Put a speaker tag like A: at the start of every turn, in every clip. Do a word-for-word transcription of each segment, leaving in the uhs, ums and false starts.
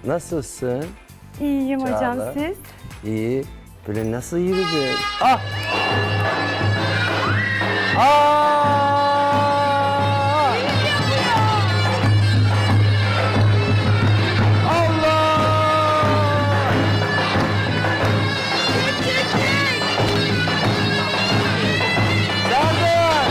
A: Nasılsın?
B: İyiyim
A: Çağla.
B: hocam, siz?
A: İyi. Böyle nasıl yürüdün? Ah! Aa! Allah! Serdar!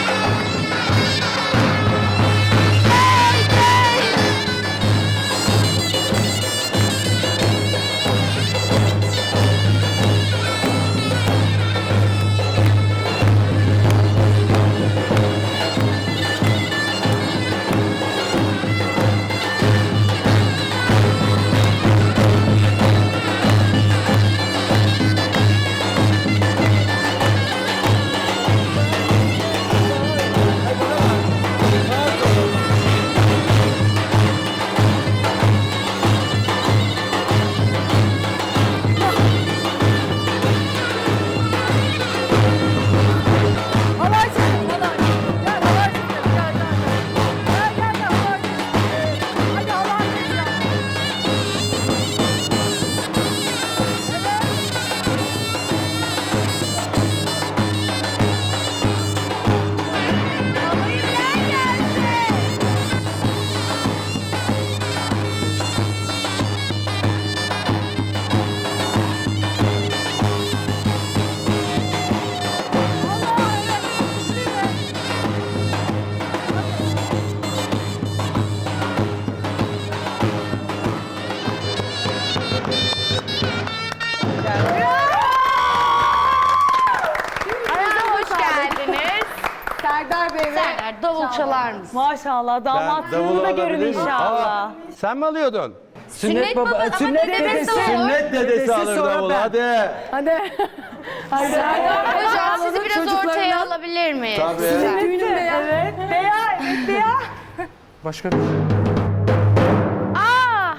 C: Hoş geldiniz.
D: Serdar Bey ve
C: Serdar davul çalar mısın?
B: Maşallah, damatlığını
A: davul
B: da görün
A: alabilir miyim?
B: inşallah.
A: Aa, sen mi alıyordun?
C: Sünnet baba, ama
B: sünnet
C: dedesi
B: dedesi.
C: olur.
A: Sünnet dedesi alır
B: sonra
A: davulu
B: ben.
A: hadi.
D: hadi.
C: Hocam sizi biraz
D: çocuklarına-
C: ortaya alabilir miyiz?
A: Tabii.
D: Düğünümde ya.
B: Evet, beya, evet beya.
A: Başka
C: Aa!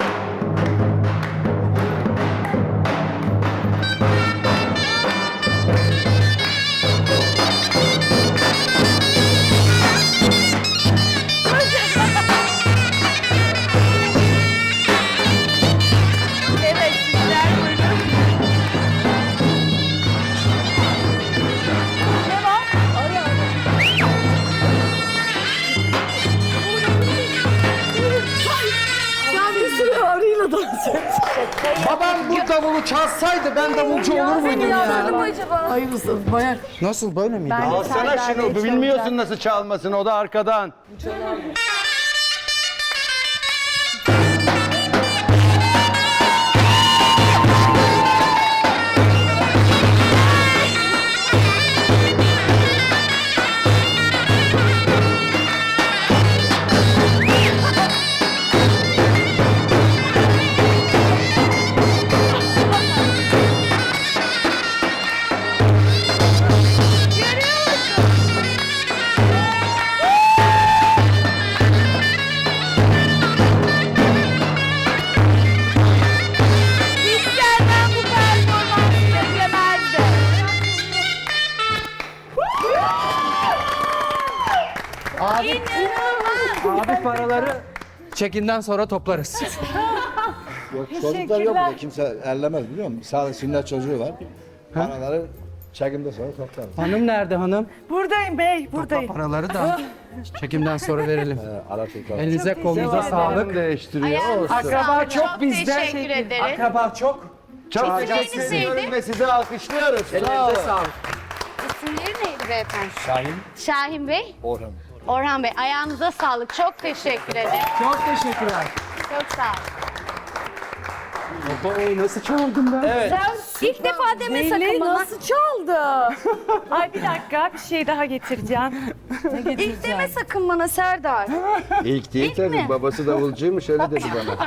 C: Evet, sizler buyurun.
B: Ne var?
D: Sen bir sürü arıyla dans et.
E: Babam bu davulu çalsaydı ben davulcu olur muydum ya?
D: acaba? Hayırlısı bayağı.
E: Nasıl böyle miydi?
A: alsana şunu bilmiyorsun nasıl çalmasını o da arkadan.
C: İsterden bu performansı beklemezdim.
E: Abi,
C: İnanılmaz.
E: abi paraları çekinden sonra toplarız.
F: Çocuklar yok burada, kimse ellemez biliyor musun? Sadece sünnet çocuğu var. Paraları çekimde sonra toplar.
E: Hanım nerede hanım?
B: Buradayım bey, buradayım.
E: Paraları da çekimden sonra verelim.
F: Ee, ara çocuklar.
E: Elinize kolunuza sağlık.
A: Değiştiriyor
C: Ayağınıza
A: olsun.
E: Akraba
C: sağlık.
E: çok
C: Çok
E: bizden.
C: teşekkür ederiz.
E: Akraba çok.
A: Çok
C: İsimleriniz
A: teşekkür
C: neydi?
A: ediyorum ve sizi alkışlıyoruz. Sağ
E: Elinize
A: olun.
E: sağlık.
C: İsimleri neydi beyefendi?
F: Şahin,
C: Şahin Bey,
F: Orhan.
C: Orhan Bey. Ayağınıza sağlık. Çok teşekkür ederim.
E: Çok teşekkürler.
C: Çok sağ olun.
E: Baba nasıl çaldım ben?
A: Evet.
C: İlk defa deme sakın
B: Zeyli
C: bana.
B: nasıl çaldı? Ay bir dakika, bir şey daha getireceğim.
C: İlk deme sakın bana Serdar.
A: İlk değil
C: İlk
A: tabii.
C: mi?
A: Babası davulcuymuş öyle dedi bana.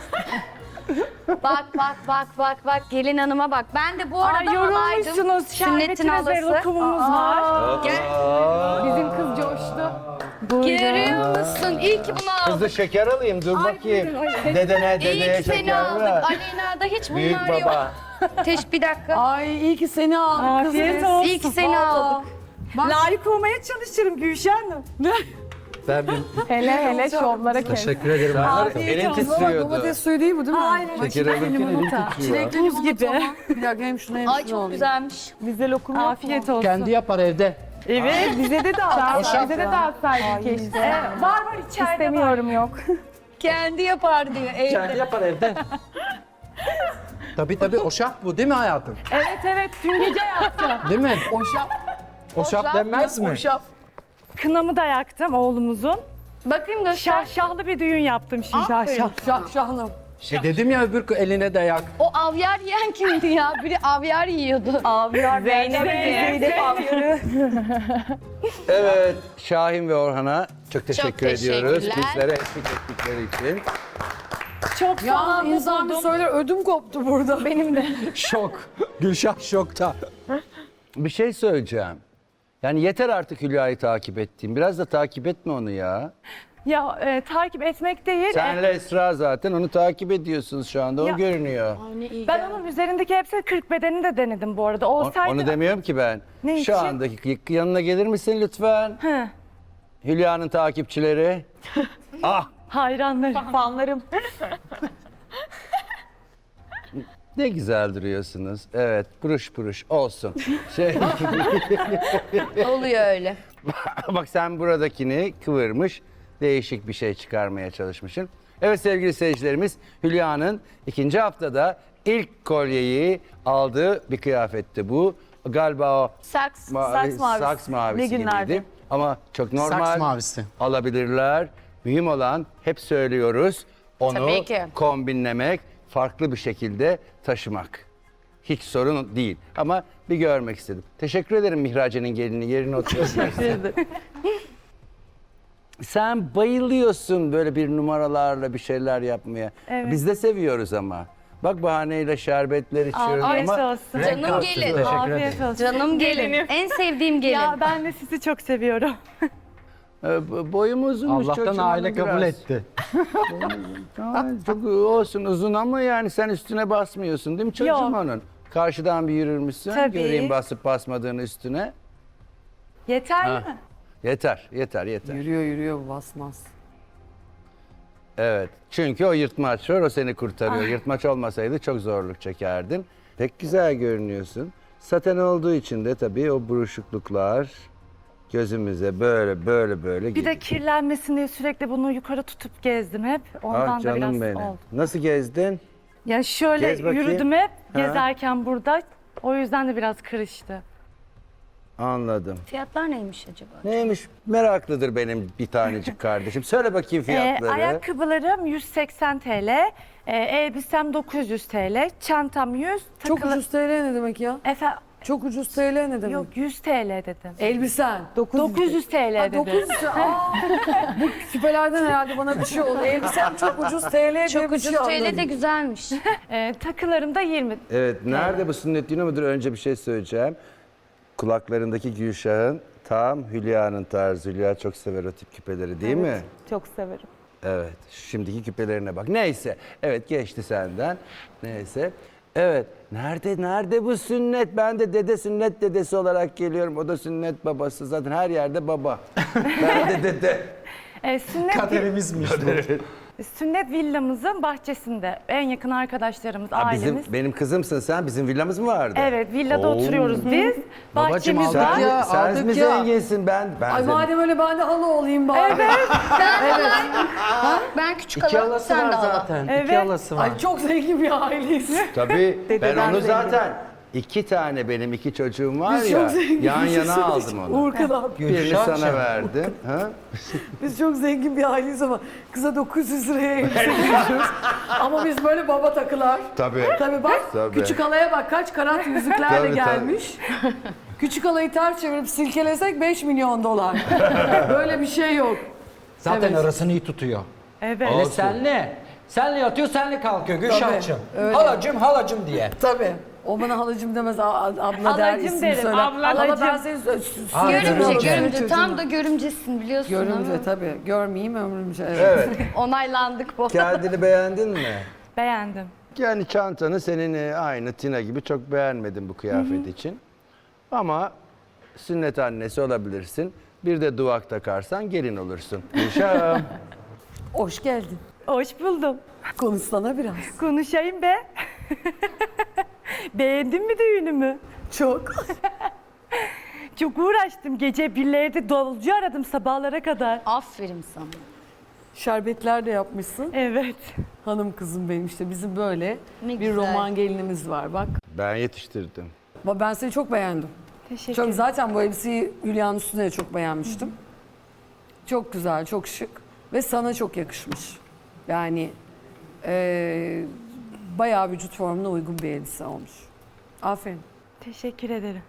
C: Bak bak bak bak bak gelin hanıma bak. Ben de bu arada
B: Ay
C: halaydım.
B: yorulmuşsunuz,
C: Sünnetin
B: şerbetiniz ve
C: halası.
B: lokumumuz var.
C: Gel.
D: Bizim kız coştu.
C: Görüyor musun? İyi ki bunu aldık.
A: Kızı şeker alayım dur bakayım. Dedene
C: İyi
A: dedeye
C: ki seni
A: şeker
C: aldık.
A: ver.
C: Alena'da hiç bunlar
A: Büyük
C: yok.
A: baba.
C: Teş bir dakika.
D: Ay iyi ki seni aldık kızım.
B: Afiyet olsun.
C: İyi ki seni aldık.
B: Layık olmaya çalışırım Gülşen Hanım.
E: Ben bir
D: Hele hele şovlara kes.
E: teşekkür ederim.
A: Elin titriyordu.
D: Domates suyu değil bu değil mi? Hayır.
A: Şeker alırken elin titriyor.
D: Çilekli buz gibi. Bir dakika hem şuna hem
C: Ay
D: şuna
C: çok
D: alayım.
C: güzelmiş.
B: Bize lokum Afiyet olsun.
E: Kendi yapar evde.
B: Evet bize de dağıt.
E: Hoşaf
B: Bize de dağıtsaydın keşke.
D: Ee,
B: Var var içeride İstemiyorum yok.
C: Kendi yapar diyor evde.
E: Kendi yapar evde. Tabii tabii oşaf bu değil mi hayatım?
B: Evet evet dün gece yaptım.
E: Değil mi?
D: Oşaf.
E: Oşaf denmez mi?
D: Oşaf.
B: Kınamı da yaktım oğlumuzun.
C: Bakayım göster.
B: Şahşahlı bir düğün yaptım şimdi. Şahşah.
D: Şah şahlım.
E: E dedim ya öbür eline dayak.
C: O avyar yiyen kimdi ya? Biri avyar yiyordu.
B: Avyar Zeynep. Zeynep avyarı.
A: Evet, Şahin ve Orhan'a çok teşekkür
C: Çok
A: ediyoruz.
C: teşekkürler.
A: Bizlere eşlik ettikleri için.
B: Çok
D: Ya
B: sağ
D: insan bir söyler ödüm koptu burada.
B: Benim de.
E: Şok. Gülşah şokta.
A: Bir şey söyleyeceğim. Yani yeter artık Hülya'yı takip ettiğim. Biraz da takip etme onu ya.
B: Ya e, takip etmek değil. e,
A: Senle Esra zaten onu takip ediyorsunuz şu anda. O
B: Ya-
A: görünüyor.
B: ben onun üzerindeki hepsi kırk bedenini de denedim bu arada.
A: O-
B: Olsaydı...
A: Onu demiyorum ki ben.
B: Ne
A: Şu
B: için?
A: andaki yanına gelir misin lütfen?
B: Hı.
A: Hülya'nın takipçileri. Ah!
B: Hayranlarım. Fanlarım.
A: Ne güzel duruyorsunuz. Evet, buruş buruş olsun. Şey,
C: Oluyor öyle.
A: bak sen buradakini kıvırmış, değişik bir şey çıkarmaya çalışmışsın. Evet sevgili seyircilerimiz, Hülya'nın ikinci haftada ilk kolyeyi aldığı bir kıyafetti bu. Galiba o
C: Saks.
A: mavi,
B: Saks mavisi.
A: saks mavisi
B: Ne günlerdi?
A: gibiydi. Ama çok normal.
E: Saks mavisi.
A: Alabilirler. Mühim olan, hep söylüyoruz, onu
C: Tabii ki.
A: kombinlemek, farklı bir şekilde taşımak. Hiç sorun değil. Ama bir görmek istedim. Teşekkür ederim Mihrace'nin gelini. Yerine oturuyorsun. Sen bayılıyorsun böyle bir numaralarla bir şeyler yapmaya.
B: Evet.
A: Biz de seviyoruz ama. Bak bahaneyle şerbetler içiyoruz
B: Afiyet
A: ama
B: olsun.
A: renk
C: Canım
A: kattı.
C: gelin.
B: Afiyet olsun.
C: Canım gelin. En sevdiğim gelin.
B: Ya ben de sizi çok seviyorum.
A: Ee, bo- Boyum uzunmuş
E: Allah'tan
A: çocuğum
E: aile kabul
A: biraz.
E: etti.
A: Aa, çok olsun uzun ama yani sen üstüne basmıyorsun değil mi çocuğum
B: Yok.
A: onun? Karşıdan bir yürürmüşsün.
B: Tabii.
A: Göreyim basıp basmadığını üstüne.
B: Yeterli
A: Ha.
B: mi?
A: Yeter, yeter, yeter.
D: Yürüyor yürüyor bu basmaz.
A: Evet. Çünkü o yırtmaç var, o seni kurtarıyor. Yırtmaç olmasaydı çok zorluk çekerdin. Pek güzel görünüyorsun. Saten olduğu için de tabii o buruşukluklar gözümüze böyle böyle böyle
B: Bir
A: geliyor.
B: de kirlenmesin diye sürekli bunu yukarı tutup gezdim hep. Ondan
A: Ah
B: da
A: canım
B: biraz
A: benim.
B: oldu.
A: Nasıl gezdin?
B: Ya şöyle
A: Gez bakayım.
B: yürüdüm hep
A: Ha.
B: gezerken burada. O yüzden de biraz kırıştı.
A: Anladım.
C: Fiyatlar neymiş acaba?
A: Neymiş? Meraklıdır benim bir tanecik kardeşim. Söyle bakayım
B: Ee,
A: fiyatları.
B: ayakkabılarım yüz seksen TL, e, elbisem dokuz yüz TL, çantam yüz,
D: Çok
B: takılı...
D: ucuz T L ne demek ya?
B: Efe,
D: Çok ucuz T L ne demek?
B: yok yüz TL dedim.
D: Elbisen.
B: dokuz yüz TL
D: Ha,
B: dedim.
D: dokuz yüz. Aa, bu küpelerden herhalde bana bir şey oldu. Elbisem çok ucuz T L diye
C: Çok
D: bir
C: ucuz
D: şey
C: T L de
D: anladım.
C: güzelmiş.
B: Ee, takılarım da yirmi.
A: Evet, nerede bu sünnet düğünü müdür? Önce bir şey söyleyeceğim. Kulaklarındaki Gülşah'ın tam Hülya'nın tarzı. Hülya çok sever o tip küpeleri değil mi?
B: Çok severim.
A: Evet, şimdiki küpelerine bak. Neyse, evet geçti senden. Neyse. Evet, nerede nerede bu sünnet? Ben de dede sünnet dedesi olarak geliyorum. O da sünnet babası. Zaten her yerde baba. Ben de dede.
B: Ee, sünnet,
E: Kaderimizmiş bu.
B: sünnet villamızın bahçesinde. En yakın arkadaşlarımız,
A: Ha,
B: ailemiz.
A: bizim, benim kızımsın sen. Bizim villamız mı vardı?
B: Evet, villada
A: Oo.
B: oturuyoruz biz.
E: Babacım,
B: Bahçemiz
E: aldık
B: var.
A: Sen,
E: ya,
A: sen
E: aldık
A: mi
E: ya.
A: zenginsin ben? Ben
D: Ay
A: zengin.
D: madem öyle ben de halı olayım bari. Evet.
C: Ben küçük
E: İki
C: alalım,
E: halası
C: sen
E: var
C: de al.
E: zaten.
B: Evet.
E: İki halası var.
D: Ay çok zengin bir aileyiz.
A: Tabii ben
B: Dededen
A: onu
B: zengin.
A: zaten iki tane benim iki çocuğum var
D: Biz
A: ya
D: çok zengin
A: yan
D: bir şey
A: yana aldım
D: söyleyeceğim.
A: onu.
D: Uğurkan abi.
A: Birini
E: Gülşah'cığım.
A: sana verdim. Ha?
D: Biz çok zengin bir aileyiz ama kıza dokuz yüz liraya elbise giyiyoruz. Ama biz böyle baba takılar.
A: Tabii.
D: Tabii bak
A: Tabii.
D: küçük halaya bak kaç karat yüzüklerle
A: Tabii, tabii.
D: gelmiş. Küçük halayı ters çevirip silkelesek beş milyon dolar. Böyle bir şey yok.
E: Zaten
D: Evet.
E: arasını iyi tutuyor.
B: Evet.
E: Hele senle. Senle yatıyor, senle kalkıyor Gülşah'cığım.
D: öyle.
E: Halacım, halacım diye.
D: Tabii. O bana halacım demez, a- a- abla der,
B: Halacım
D: isim
B: derim,
D: söyler.
B: ablacım.
D: Hala ben seni sü- sü-
E: Aa,
C: Görümce,
E: Görümce.
C: görümce. Tam da görümcesin biliyorsun. değil mi?
D: Görümce tabii. Görmeyeyim ömrümce. Evet.
A: Evet.
C: Onaylandık bu.
A: Kendini beğendin mi?
B: Beğendim.
A: Yani çantanı senin e, aynı Tina gibi çok beğenmedim bu kıyafet için. Ama sünnet annesi olabilirsin. Bir de duvak takarsan gelin olursun. Gülşah'ım.
D: Hoş geldin.
B: Hoş buldum.
D: Konuşsana biraz.
B: Konuşayım be. Beğendin mi düğünümü?
D: Çok.
B: Çok uğraştım. Gece birlerde davulcu aradım sabahlara kadar.
C: Aferin sana.
D: Şerbetler de yapmışsın.
B: Evet.
D: Hanım kızım benim işte bizim böyle
C: Ne
D: bir
C: güzel.
D: roman gelinimiz var bak.
A: Ben yetiştirdim.
D: Ba- Ben seni çok beğendim.
B: Teşekkür
D: Çok
B: ederim.
D: zaten bu elbiseyi Hülya'nın üstüne de çok beğenmiştim. Çok güzel, çok şık ve sana çok yakışmış. Yani eee bayağı vücut formuna uygun bir elbise olmuş. Aferin.
B: Teşekkür ederim.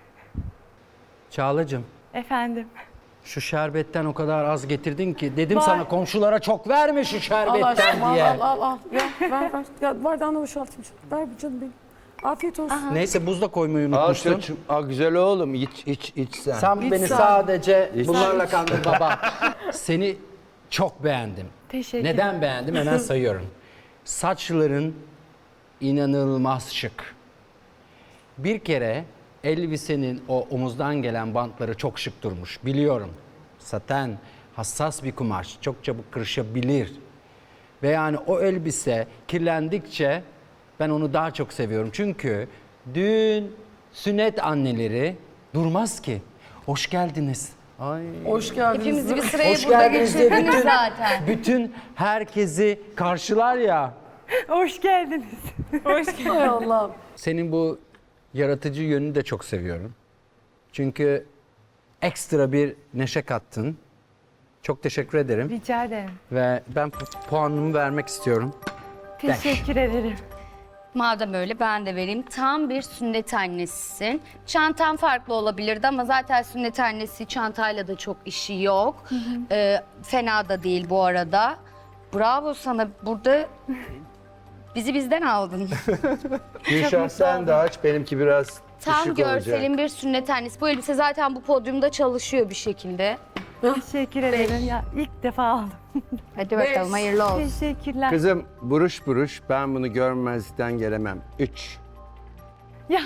E: Çağlacığım,
B: Efendim.
E: şu şerbetten o kadar az getirdin ki dedim
B: Var.
E: sana komşulara çok verme şu
D: Al
E: şerbetten
D: aşkım al
E: diye.
D: al al. al. Ver ver ver. Ya bardağını boşaltayım. Ver bir canım benim. Afiyet olsun.
E: Neyse buzda koymayı
A: Al
E: unutmuştun.
A: çocuğum. Aa, güzel oğlum. İç iç iç sen.
E: Sen
D: İç
E: beni
D: sen.
E: sadece
A: İç.
E: bunlarla kandır baba. Seni çok beğendim.
B: Teşekkür
E: Neden beğendim? Hemen sayıyorum. Saçların inanılmaz şık. Bir kere elbisenin o omuzdan gelen bantları çok şık durmuş. Biliyorum. Saten, hassas bir kumaş. Çok çabuk kırışabilir. Ve yani o elbise kirlendikçe ben onu daha çok seviyorum. Çünkü düğün, sünnet anneleri durmaz ki. Hoş geldiniz. Ay.
D: Hoş geldiniz.
C: Hepimizi bir sıraya
E: Hoş
C: burada
E: geldiniz diye
C: geçirdiniz
E: bütün,
C: zaten.
E: bütün herkesi karşılar ya.
B: Hoş geldiniz. Hoş geldiniz.
D: Hay Allah'ım.
E: Senin bu yaratıcı yönünü de çok seviyorum. Çünkü ekstra bir neşe kattın. Çok teşekkür ederim.
B: Rica ederim.
E: Ve ben pu- puanımı vermek istiyorum.
B: Teşekkür ederim.
C: Madem öyle ben de vereyim. Tam bir sünnet annesisin. Çantan farklı olabilirdi ama zaten sünnet annesi çantayla da çok işi yok. Ee, fena da değil bu arada. Bravo sana. Burada bizi bizden aldın.
A: Gülşah sen de aç. Benimki biraz
C: Tam
A: düşük
C: görselin
A: olacak.
C: bir sünnet annesi. Bu elbise zaten bu podyumda çalışıyor bir şekilde.
B: Teşekkür ederim. Ya ilk defa aldım.
C: Hadi bakalım hayırlı olsun.
B: Teşekkürler.
A: Kızım buruş buruş ben bunu görmezlikten gelemem. Üç.
B: Ya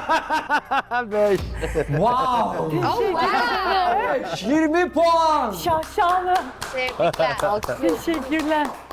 A: Beş.
E: Wow! yirmi puan!
B: şaşalı.
C: Tebrikler. Alkış.
B: Teşekkürler.